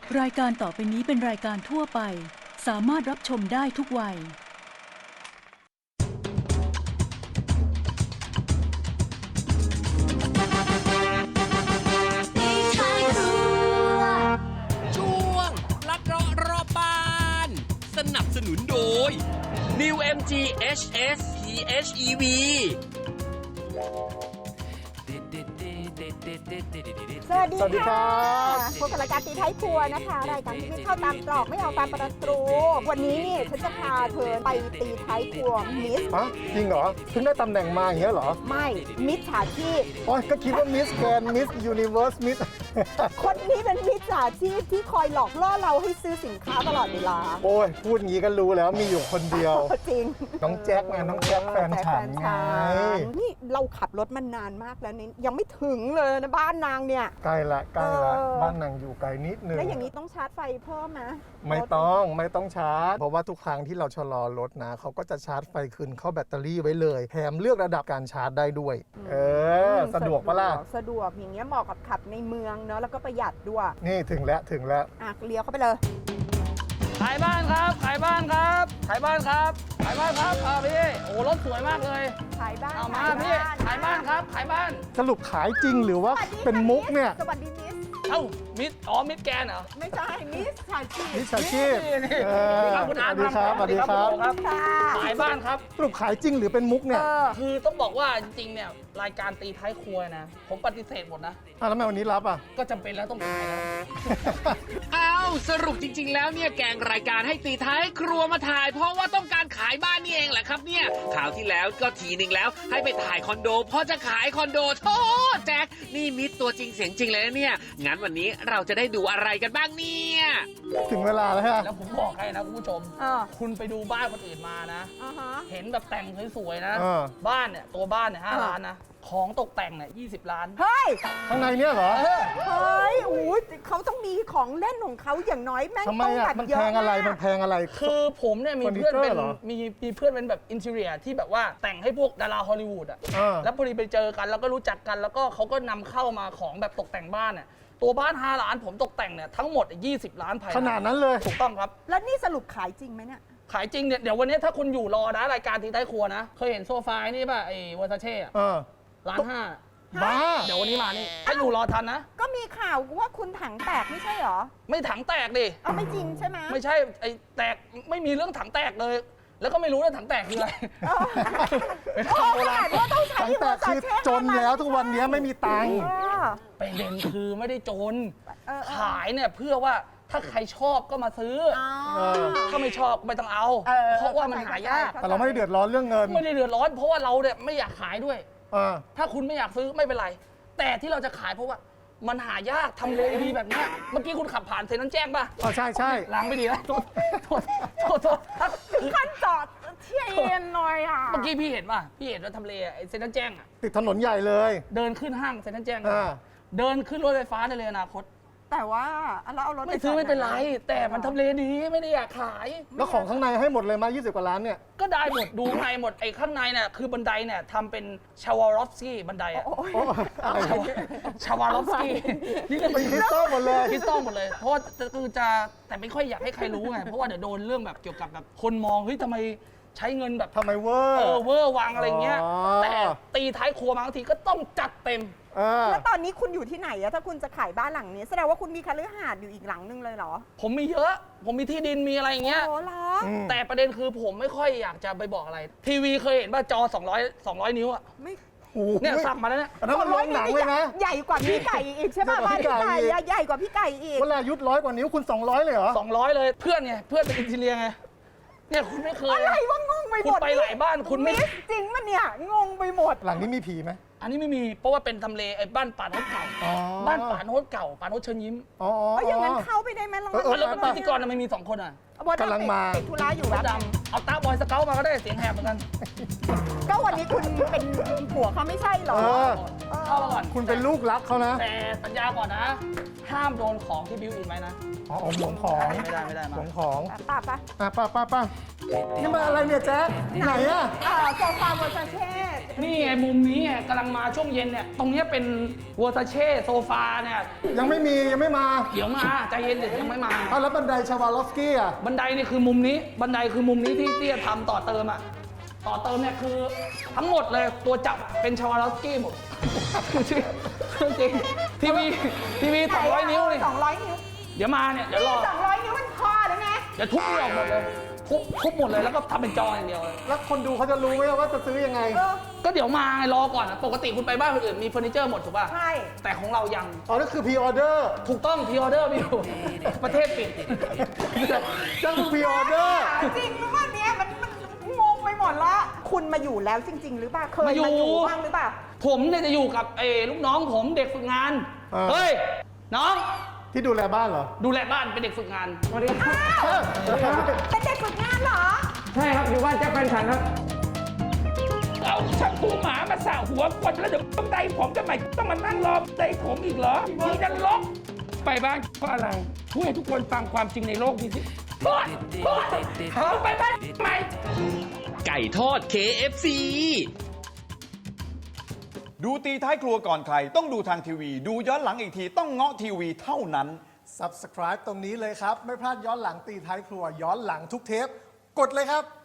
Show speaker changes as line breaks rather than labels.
รายการต่อไปนี้เป็นรายการทั่วไปสามารถรับชมได้ทุกวัย
ช่วงลัดเลาะรอบบ้านสนับสนุนโดย New MG HS PHEV
สวัสดีค่ะพบกับรายการตีท้ายครัวนะคะรายการที่ไม่เข้าตามตรอกไม่เอาตามประตูวันนี้นี่ฉันจะพาเธอไปตีท้ายครัวมิส
ฮะจริงเหรอเพิ่งได้ตำแหน่งมาอย่างเงี้ยเหรอ
ไม่มิสฉาชีพ
อ๋อก็คิดว่ามิสแกรนมิสยูนิเวิร์สมิส
คนนี้เป็นมิสฉาชีพที่คอยหลอกล่อเราให้ซื้อสินค้าตลอดเวลา
โอ้ยพูดงี้ก็รู้แล้วมีอยู่คนเดียว
จริง
น้องแจ็คไงน้องแจ็คแฟนฉันไง
นี่เราขับรถมานานมากแล้วนี่ยังไม่ถึงเลยนะบ้านนางเนี่ย
ใกล้ละบ้านนางอยู่ไกลนิดนึง
แล้วอย่างนี้ต้องชาร์จไฟเพิ่มไหม
ไม่ต้องชาร์จเพราะว่าทุกครั้งที่เราชะลอรถนะเขาก็จะชาร์จไฟคืนเข้าแบตเตอรี่ไว้เลยแถมเลือกระดับการชาร์จได้ด้วยสะดวกปะล่ะ
สะดวกอย่างเงี้ยเหมาะกับขับในเมืองเนาะแล้วก็ประหยัดด้วย
นี่ถึงแล้ว
อ่ะเลี้ยวเข้าไปเลย
ขายบ้านครับขายบ้านครับขายบ้านครับขายบ้านครับพี่โอ้รถสวยมากเลย
ขายบ้าน
เอามาพี่ขายบ้านครับขายบ้าน
สรุปขายจริงหรือว่าเป็นมุกเนี่ย
สวัสดีมิส
เอ้ามิดแกนเหรอ
ไม่ใช่มิสชาชีพ
มิจฉาชีพ
นี่
ส
คุณอาร์ต
วัสดีครับ
ครับ
ค่ะ
ขายบ้านครับ
สรุปขายจริงหรือเป็นมุกเนี่ย
คือต้องบอกว่าจริงๆเนี่ยรายการตีท้ายครัวนะผมปฏิเสธหมดนะ
แล้วทำไมวันนี้รับอ่ะ
ก็จำเป็นแล้วต้องขายแล้ว
อ้าวสรุปจริงๆแล้วเนี่ยแกงรายการให้ตีท้ายครัวมาถ่าย เพราะว่าต้องการขายบ้านนี่เองแหละครับเนี่ยข่าวที่แล้วก็ทีหนึ่งแล้วให้ไปถ่ายคอนโดพอจะขายคอนโดโธ่แจ็คนี่มิตรตัวจริงเสียงจริงเลยนะเนี่ยงั้นวันนี้เราจะได้ดูอะไรกันบ้างเนี่ย
ถึงเวลาแล้วฮะ
แล้วผมบอกให้นะคุณผู้ชม คุณไปดูบ้านคนอื่นมานะ เห็นแบบแต่งสวยๆนะ บ้านเนี่ยตัวบ้านเนี่ย5 ล้านนะของตกแต่งเนี่ย20 ล้าน
เฮ้ย
ข้างในเนี่ยเหรอ
เฮ้ยโอ้ยเขาต้องมีของเล่นของเขาอย่างน้อยแม่ง
ทำไม
ต้อง
อ่ะ
แบบ
มัน
เย
แพ
อะ
งอะไร
มาก
มันแพงอะไร
คือผมเนี่ยมีเพื่อนเป็น
เฟอร์นิเจอร์เหรอ
มีเพื่อนเป็นแบบอินทีเรียที่แบบว่าแต่งให้พวกดาราฮอลลีวูดอ่ะ แล้วพอดีไปเจอกันแล้วก็รู้จักกันแล้วก็เขาก็นำเข้ามาของแบบตกแต่งบ้านเนี่ยตัวบ้าน5 ล้านผมตกแต่งเนี่ยทั้งหมด20 ล้านภายใน
ขนาดนั้นเลย
ถูกต้องครับ
แล้วนี่สรุปขายจริงไหมเนี่ย
ขายจริงเนี่ยเดี๋ยววันนี้ถ้าคุณอยู่รอนะรายการทิ้งใต้ครัวนะเคยเห็นโซฟานี่ป่ะไอ้วอร์ซาเช่1.5 ล้าน
บ้า
เดี๋ยววันนี้มานี่ถ้าอยู่รอทันนะ
ก็มีข่าวว่าคุณถังแตกไม่ใช่เหรอ
ไม่ถังแตกดิ
เอาไม่จริงใช่ไหม
ไม่ใช่ไอ้แตกไม่มีเรื่องถังแตกเลย แล้วก็ไม่รู้ว่าถังแตกคืออะไร เป็น
โอ้
คำโบ
ข
รา
นา
ณ
ดว่าต้องใช้
ตั้งแต่คือจนแล้วทุกวันนี้ไม่มีตังค์
ประเด็นคือไม่ได้จน
เออ
ขายเนี่ยเพื่อว่าถ้าใครชอบก็มาซื้อ ถ้าไม่ชอบก็ไม่ต้องเอา เพราะว่ามันหายาก
แต่เราไม่ได้เดือดร้อนเรื่องเงิน
ไม่ได้เดือดร้อนเพราะว่าเราเนี่ยไม่อยากขายด้วย ถ้าคุณไม่อยากซื้อไม่เป็นไร แต่ที่เราจะขายเพราะว่ามันหายากทำเลดีแบบเนี้ยเมื่อกี้คุณขับผ่านเซนนั้นแจ้งป่ะ
ใช่
ล้างไม่ดีแล้วโทษคือ
ขั้นจอดเที่ยนหน่อยอ่ะ
เมื่อกี้พี่เห็นป่ะพี่เห็นว่าทำเลไอ้เซนนั้นแจ้งอ่ะ
ติดถนนใหญ่เลย
เดินขึ้นห้างเซนนั้นแจ้ง
อ่า
เดินขึ้นรถไฟฟ้าได้เลยอนาคต
แต่ว่าเราเอารถ
ไม่ซื้อไม่เป็นไร แต่มันทำเลดีไม่ได้อยากขาย
แล้วของข้างในให้หมดเลยมา20 กว่าล้านเนี่ย
ก็ได้หมดดูข้างในหมดไอ้ข้างในเนี่ยคือบันไดเนี่ยทำเป็นชาวารอฟสกี้บันไดอะ
โอ้อะไร
ชาวารอฟสกี้นี่ก็
เป็นคริสตัลหมดเลย
คริสตัลหมดเลย เพราะว่าคือจะแต่ไม่ค่อยอยากให้ใครรู้ไงเพราะว่าเดี๋ยวโดนเรื่องแบบเกี่ยวกับแบบคนมองเฮ้ยทำไมใช้เงินแบบ
ทำไมเวอร์
เวอร์วังอะไรเงี้ย
อ๋อ
แต่ตีท้ายครัวบางทีก็ต้องจัดเต็ม
แล้วตอนนี้คุณอยู่ที่ไหนอะถ้าคุณจะขายบ้านหลังนี้แสดงว่าคุณมีคฤหาสน์อยู่อีกหลังนึงเลยเหรอ
ผมมีเยอะ ผมมีที่ดินมีอะไรอย่างเงี้ย
โอ้เหรอ
แต่ประเด็นคือผมไม่ค่อยอยากจะไปบอกอะไร ทีวีเคยเห็นป่ะจอ200 นิ้วอะ
ไม่
โอ้โห
เนี่ยสั่งมาแล้วเนี่ย
อันนั้นมันโรงหนังเลยนะ
ใหญ่กว่าพี่ไก่อีกใช่ป่ะบ้านพี่ไก่อะใหญ่กว่าพี่ไก่อีก
เวลายุทธ100 กว่านิ้วคุณ200เลยเหรอ
200 เลยเพื่อนไงเพื่อนเป็นอินทีเรียไงเนี่ยคุณไม่เคย
อะไรวะงงไปหมด
คุณไปหลายบ้านคุณไม่
สจริงมันเนี่ยงงไปหมด
หลังนี้มีผีไหม
อันนี้ไม่มีเพราะว่าเป็นทำเลไอ้บ้านป่าโนดเก่า
อ๋อ
บ้านป่าโนดเก่าป่าโนดเชิญยิ้ม
อ๋อ
เอาอย่างนั้นเข้าไปได้ไหมลอง
แล้วพิธีกรทำไมมี2 คนอ่ะ
กำลังมา
ติดธุระอยู่
ม
แบ
ด
บ
ดำเอาตาบอยสเกลมาก็ได้เสียงแหบเหมือนกัน
ก็วันนี้คุณเป็นผัวเขาไม่ใช่เหรอ
เข้ามาก่อน
คุณเป็นลูกรักเขานะ
แต่สัญญาก่อนนะ ห้ามโดนของที่บิวอินไว้นะ
อ๋อหวงของ
ไม่ได้มา
หวงของ
ป่ะป่ะ
ป้านี่มาอะไรเนี่ยแจ๊คไหนอะ
โซฟาเวอร์ซาเช่
นี่ไงมุมนี้ไงกำลังมาช่วงเย็นเนี่ยตรงเนี้ยเป็นวอร์ซาเช่โซฟาเนี่ย
ยังไม่มา
เดี๋ยวมาใจเย็นเดี๋ยวยังไม่มา
เอาแล้วบันไดชาวาลอฟสกี้อ่ะ
บันไดนี่คือมุมนี้บันไดคือมุมนี้ที่จะทำต่อเติมอะต่อเติมเนี่ยคือทั้งหมดเลยตัวจับอะเป็นชาวาลอฟสกี้หมด จริงทีวี200 นิ้วนี่
200 นิ้ว
เดี๋ยวมาเนี่ยเดี๋ยวรอ
200 นิ้วมันพอแล้วไง
เดี๋ยวทุบนี่ออกหมดเลยทุบหมดเลยแล้วก็ทำเป็นจออย่างเดียวเลย
แล้วคนดูเขาจะรู้ไหมว่าจะซื้อยังไง
ก็เดี๋ยวมาไงรอก่อนอะปกติคุณไปบ้านคนอื่นมีเฟอร์นิเจอร์หมดถูกป่ะ
ใช่
แต่ของเรายัง
อ๋อนั่นคือพรีออเดอร์
ถูกต้องพรีออเดอร์มีอยู่ ประเทศปิด
นั่นคือพรีออเดอร์
จริงหรือว่าเนี่ยมันงงไปหมดละคุณมาอยู่แล้วจริง ๆ หรือเปล่าเคยมาอยู่บ้างหรือเปล่า
ผมเนี่ยจะอยู่กับลูกน้องผมเด็กฝึกงาน เฮ้ย น้อง
ที่ดูแลบ้านเหรอ
ดูแลบ้านเป็นเด็กฝึกงาน
อ้าวเป็นเด็กฝึกงานเหรอ
ใช่ครับ อยู่บ้านแจ็คแฟนฉันครับ
เอาชักตูหมามาสระหัวคนแล้วเดี๋ยวต้องไดผมทำไมต้องมานั่งรอไดผมอีกเหรอนี่นรกไปบ้านเพราะอะไรพูดให้ทุกคนฟังความจริงในโลกนี้สิพูดเอาไปบ้านทำไม
ไก่ทอด KFC
ดูตีท้ายครัวก่อนใครต้องดูทางทีวี ดูย้อนหลังอีกทีต้องเงาะทีวีเท่านั้น
Subscribe ตรงนี้เลยครับ ไม่พลาดย้อนหลังตีท้ายครัวย้อนหลังทุกเทป กดเลยครับ